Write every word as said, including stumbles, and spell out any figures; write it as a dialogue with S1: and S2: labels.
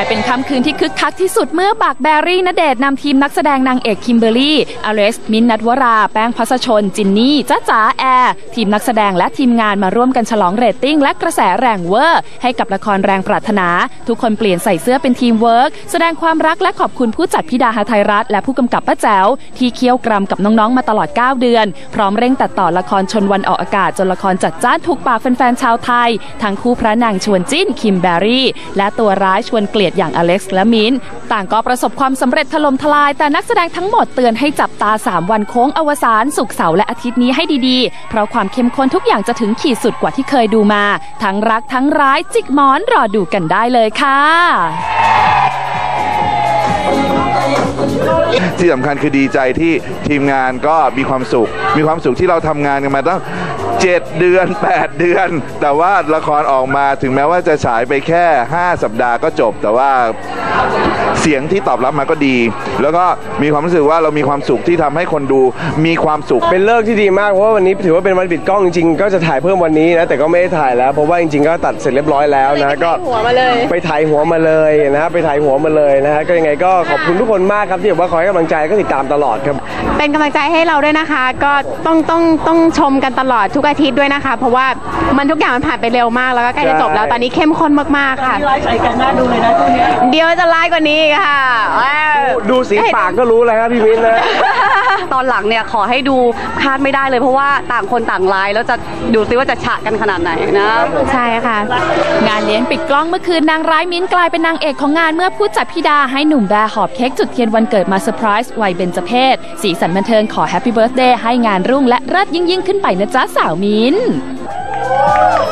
S1: เป็นค่ำคืนที่คึกคักที่สุดเมื่อบักแบรี่ณเดชน์นำทีมนักแสดงนางเอกคิมเบอร์รี่อเล็กซ์มิ้นท์ ณัฐวราแป้งภัสชนจินนี่จ๊ะจ๋าแอร์ทีมนักแสดงและทีมงานมาร่วมกันฉลองเรตติ้งและกระแสแรงเวอร์ให้กับละครแรงปรารถนาทุกคนเปลี่ยนใส่เสื้อเป็นทีมเวิร์กแสดงความรักและขอบคุณผู้จัดพี่ดาหทัยรัตน์และผู้กำกับป้าแจ๋วที่เคี่ยวกรำกับน้องๆมาตลอดเก้าเดือนพร้อมเร่งตัดต่อละครชนวันออกอากาศจนละครจัดจ้านถูกปากแฟนๆชาวไทยทั้งคู่พระนางชวนจิ้นคิมแบรี่และตัวร้ายชวนเกลียดอย่างอเล็กซ์และมิ้นท์ต่างก็ประสบความสำเร็จถล่มทลายแต่นักแสดงทั้งหมดเตือนให้จับตาสามวันโค้งอวสานศุกร์เสาร์และอาทิตย์นี้ให้ดีๆเพราะความเข้มข้นทุกอย่างจะถึงขีดสุดกว่าที่เคยดูมาทั้งรักทั้งร้ายจิกหมอนรอดูกันได้เลยค่ะ
S2: ที่สำคัญคือดีใจที่ทีมงานก็มีความสุขมีความสุขที่เราทำงานกันมาตั้งเจ็ดเดือนแปดเดือนแต่ว่าละครออกมาถึงแม้ว่าจะฉายไปแค่ห้าสัปดาห์ก็จบแต่ว่าเสียงที่ตอบรับมาก็ดีแล้วก็มีความรู้สึกว่าเรามีความสุขที่ทำให้คนดูมีความสุข
S3: เป็นเลิกที่ดีมากเพราะว่าวันนี้ถือว่าเป็นวันปิดกล้องจริงๆก็จะถ่ายเพิ่มวันนี้นะแต่ก็ไม่ได้ถ่ายแล้วเพราะว่าจริงๆก็ตัดเสร็จเรียบร้อยแล้วนะก็ไปถ่ายหัวมาเลยนะไปถ่ายหัวมาเลยนะฮะก็ยังไงก็ขอบคุณทุกคนมากครับที่แบบว่าคอยให้กำลังใจก็ติดตามตลอดครับ
S4: เป็นกำลังใจให้เราด้วยนะคะก็ต้องต้องต้องชมกันตลอดทุกอาทิตย์ด้วยนะคะเพราะว่ามันทุกอย่างมันผ่านไปเร็วมากแล้วก็ใกล้จะจบแล้วตอนนี้เข้มข้นมากๆค่ะ
S5: ไลฟ์ใส่กันน่าดูเลยนะช่วงนี้
S4: เดี๋ยวจะไลฟ์กว่านี้ค่ะ
S3: ดูสีปากก็รู้เลยครับพี่มิ้นนะ
S6: ตอนหลังเนี่ยขอให้ดูคาดไม่ได้เลยเพราะว่าต่างคนต่างไลฟ์แล้วจะดูซิว่าจะฉะกันขนาดไหนนะ
S4: ใช่ค่ะ
S1: งานเลี้ยงปิดกล้องเมื่อคืนนางร้ายมิ้นท์กลายเป็นนางเอกของงานเมื่อผู้จัดพี่ดาให้หนุ่มแบร์หอบเค้กจุดเทียนวันเกิดมาเซอร์ไพรส์วัยเบญจเพสสีสันบันเทิงขอแฮปปี้เบิร์ธเดย์ให้งานรุ่งและเลิศยิ่งยิ่งขึ้นไปนะจ๊ะสาวมิ้นท์